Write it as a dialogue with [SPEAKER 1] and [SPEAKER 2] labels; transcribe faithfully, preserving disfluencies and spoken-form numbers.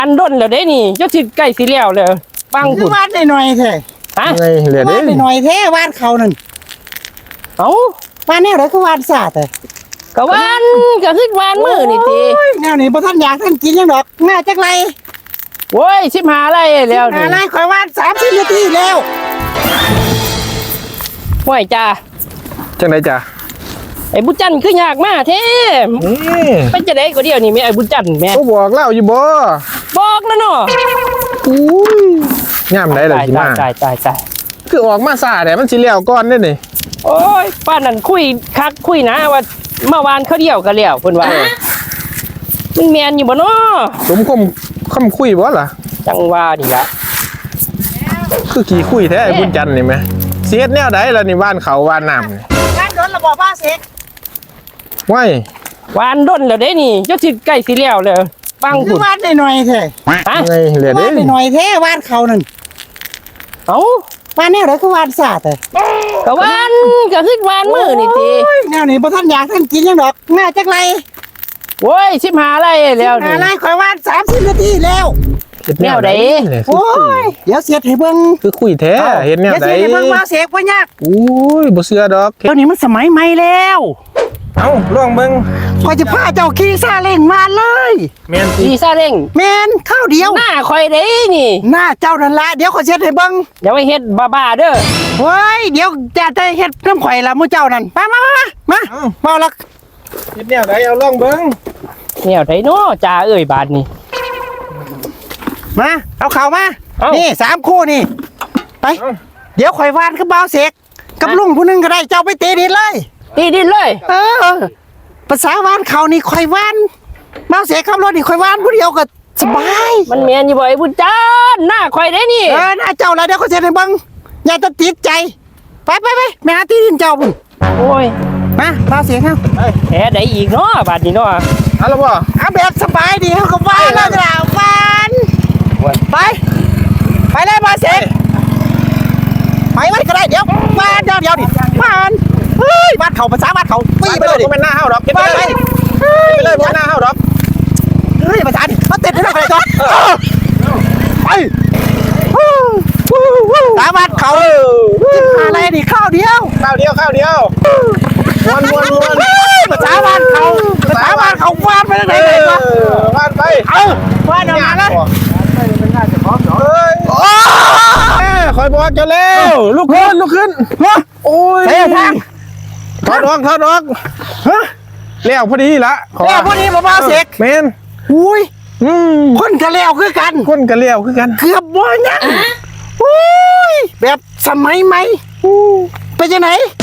[SPEAKER 1] อันด้นแล้วเด้นี่เจ้าสิใกล้สิแล้วเลยฟัง
[SPEAKER 2] คื
[SPEAKER 1] คุ
[SPEAKER 2] อ
[SPEAKER 1] ณ
[SPEAKER 2] วาดได้หน่อยแท้
[SPEAKER 1] ฮะ
[SPEAKER 3] ไงเหลือ
[SPEAKER 2] วา
[SPEAKER 3] เด้
[SPEAKER 2] ดได้หน่อยแท้วาดเขานั่น
[SPEAKER 1] เอ้าว
[SPEAKER 2] าดแนวไหนคือวาดซาแต่
[SPEAKER 1] ก็วานก็ขึ้นวานมือนี่ติ
[SPEAKER 2] โอ้ยแนวนี้บ่ทันอยากท่านกินยังดอกง่ายจักไร
[SPEAKER 1] โว้ยสิบหาอะไรแล้ว
[SPEAKER 2] หา
[SPEAKER 1] นี่
[SPEAKER 2] ไรข่อยวาดสามสิบนาทีแล้ว
[SPEAKER 1] ห่วยจ้า
[SPEAKER 3] จังไดจ้ะ
[SPEAKER 1] ไอ้บุญจันทร์คือยากมากเท่
[SPEAKER 3] นี่
[SPEAKER 1] ไปจะได้ก็เดียวนี่แม่ไอ้บุญจันทร์แม่
[SPEAKER 3] ก็บอกเล่าอยู่บ่
[SPEAKER 1] บอกแล้วเนาะ
[SPEAKER 3] อุ้ยย่ำได้ล่ะ
[SPEAKER 1] ตาย
[SPEAKER 3] สิ
[SPEAKER 1] ตาย
[SPEAKER 3] มา
[SPEAKER 1] ตายตายตาย
[SPEAKER 3] คือออกมาซาแต่มันสิแล้วก่อนเด้นี่
[SPEAKER 1] โอ้ยป้านั่นคุยคักคุยนะว่าเมื่อวานเขาเดียวกันแล้วเพิ่นว่ามันแมนอยู่บ่เนาะ
[SPEAKER 3] สมคมคำคุยบ่ล่ะ
[SPEAKER 1] จังว่านี่ละ
[SPEAKER 3] คือกี่คุยแท้ไอ้บุญจันทร์นี่แหมเสียดแนวใดล่ะนี่บ้านเขาบ้านน้ำนี่
[SPEAKER 2] งานโดนระบอกบ้าเสก
[SPEAKER 3] ไว้
[SPEAKER 1] วานด้นแล้วเด้นี่เจ้าสิใกล้สิแล้วเลยฟัง
[SPEAKER 2] คื
[SPEAKER 1] คุ
[SPEAKER 2] อ
[SPEAKER 1] ณ
[SPEAKER 2] วาดได้หน่อยแท้
[SPEAKER 1] ฮะ
[SPEAKER 3] ไงเหลือ
[SPEAKER 2] วา
[SPEAKER 3] เด้
[SPEAKER 2] ดได้หน่อยแท้วาดเขานั่น
[SPEAKER 1] เอ้าว
[SPEAKER 2] าดแนวไหนคือวาดซาแต่
[SPEAKER 1] ก็วานก็ขึ้นวานมือนี่ติ
[SPEAKER 2] โอ้ยแนวนี้บ่ทันอยากท่านกินยังดอกง่ายจักไร
[SPEAKER 1] โว้ยสิบหาอะไรแล้ว
[SPEAKER 2] หา
[SPEAKER 1] นี่
[SPEAKER 2] ไรข่อยวาดสามสิบนาทีแล้ว
[SPEAKER 3] เฮ็ด
[SPEAKER 1] แนวใด
[SPEAKER 3] เนี่ย
[SPEAKER 2] โอ้ยเดี๋ยวเสียให้เบิ่ง
[SPEAKER 3] คือคุยแท้เฮ็ดแนว
[SPEAKER 2] เดี๋ยว
[SPEAKER 3] ใด
[SPEAKER 2] เสียให้เบิ่งบ้าเสกบ่ยาก
[SPEAKER 3] อุ้ยบ่เชื่อดอก
[SPEAKER 2] เดี๋ยวนี้มันสมัยใหม่แล้ว
[SPEAKER 3] เอ้าลองเบิ่ง
[SPEAKER 2] พอจะพาเจ้าขี่ซาเล้งมาเลย
[SPEAKER 3] แม่นสิ
[SPEAKER 1] ดีซาเร่ง
[SPEAKER 2] แมนข้าวเดียว
[SPEAKER 1] หน้าคอยเด้นี่
[SPEAKER 2] หน้าเจ้านั่นละเดี๋ยวขอยเช็ดให้เบิ่ง
[SPEAKER 1] อย่าไปเฮ็ดบ้าๆเด้อ
[SPEAKER 2] เฮ้ยเดี๋ยวจะได้เฮ็ดน้ำข่อยละหมู่เจ้านั่นมามามามา
[SPEAKER 3] เอ้า
[SPEAKER 2] มาละ
[SPEAKER 3] เฮ็ดแนวใดเอาลองเบิ่ง
[SPEAKER 1] แนวไดเนาะจ่าเอ้ยบาดนี่
[SPEAKER 2] มาเอาเข่ามา
[SPEAKER 1] เอ้า
[SPEAKER 2] นี่สามคู่นี่ไป
[SPEAKER 3] เอ้า
[SPEAKER 2] เดี๋ยวข่อยวานกับบ่าวเสกกับลุงผู้หนึงก็ได้เจ้าไปเตะดินเลย
[SPEAKER 1] ตีดินเลย
[SPEAKER 2] เออภาษาวานเขานี่ข่อยวานบ่าวเสกขับรถนี่ข่อยวานผู้เดียวก็สบาย
[SPEAKER 1] มันแม่นอยู่บ่ไอ้บุญจันทร์หน้าคอยเด้นี่
[SPEAKER 2] เออหน้าเจ้าละเดี๋ยวขอยเช็ดให้เบิ่งอย่าตะติดใจไปไปไปแม่หาที่ดินเจ้าพุ่น
[SPEAKER 1] โอ้ย
[SPEAKER 2] มาบ่าวเสกเฮา
[SPEAKER 1] แผลใดอีกเนาะบาดนี้เนาะ
[SPEAKER 3] เอาละบ่
[SPEAKER 2] เอาแบบสบายดีเขาก็วานแล้วจ้ะวานไป ไปเลยมาเสกไปไว้ก็ได้เดี๋ยววานเดี๋ยวเดี๋ยวดิวานเฮ้ยวานเขาภาษาวานเขาปี
[SPEAKER 3] ไป
[SPEAKER 2] ไป
[SPEAKER 3] เล
[SPEAKER 2] เลย ยดิ
[SPEAKER 3] บ่แม่นหน้าเฮาดอกเฮ็ด
[SPEAKER 2] ไป
[SPEAKER 3] ไป
[SPEAKER 2] ไป
[SPEAKER 3] เลย
[SPEAKER 2] เฮ้ย
[SPEAKER 3] ไปเลยบ่แม่นหน้าเฮาดอก
[SPEAKER 2] เฮ้ยภาษาดิมาเต้นให้ได้ก่อนไปสาวานเขาอะไรดิข้าวเดียว
[SPEAKER 3] ข้าวเดียวข้าวเดียวม้วนม้วนม้วน
[SPEAKER 2] ภาษาวานเขาภาษาวานเขาวานไปทางไหนไหนวะ
[SPEAKER 3] วานไป
[SPEAKER 2] เออวานออกมาเลย
[SPEAKER 3] เฮ้ยโอ้ยคอยบอกเจ้าแล้วลุกขึ้นลุกขึ้นโอ้ย
[SPEAKER 2] เฮ้ยทาง
[SPEAKER 3] ถอดออกถอดออก
[SPEAKER 2] ฮะ
[SPEAKER 3] แล้วพอดีละขอ
[SPEAKER 2] แล้วพวกนี้มาบ้าเสก
[SPEAKER 3] แมน
[SPEAKER 2] อุ้ย
[SPEAKER 3] อืม
[SPEAKER 2] คนกะแล้วคือกัน
[SPEAKER 3] คนกันเลี้ยวคือกัน
[SPEAKER 2] เกือบบ่ยังอุ้ยแบบสมัยใหม่เป็นยังไง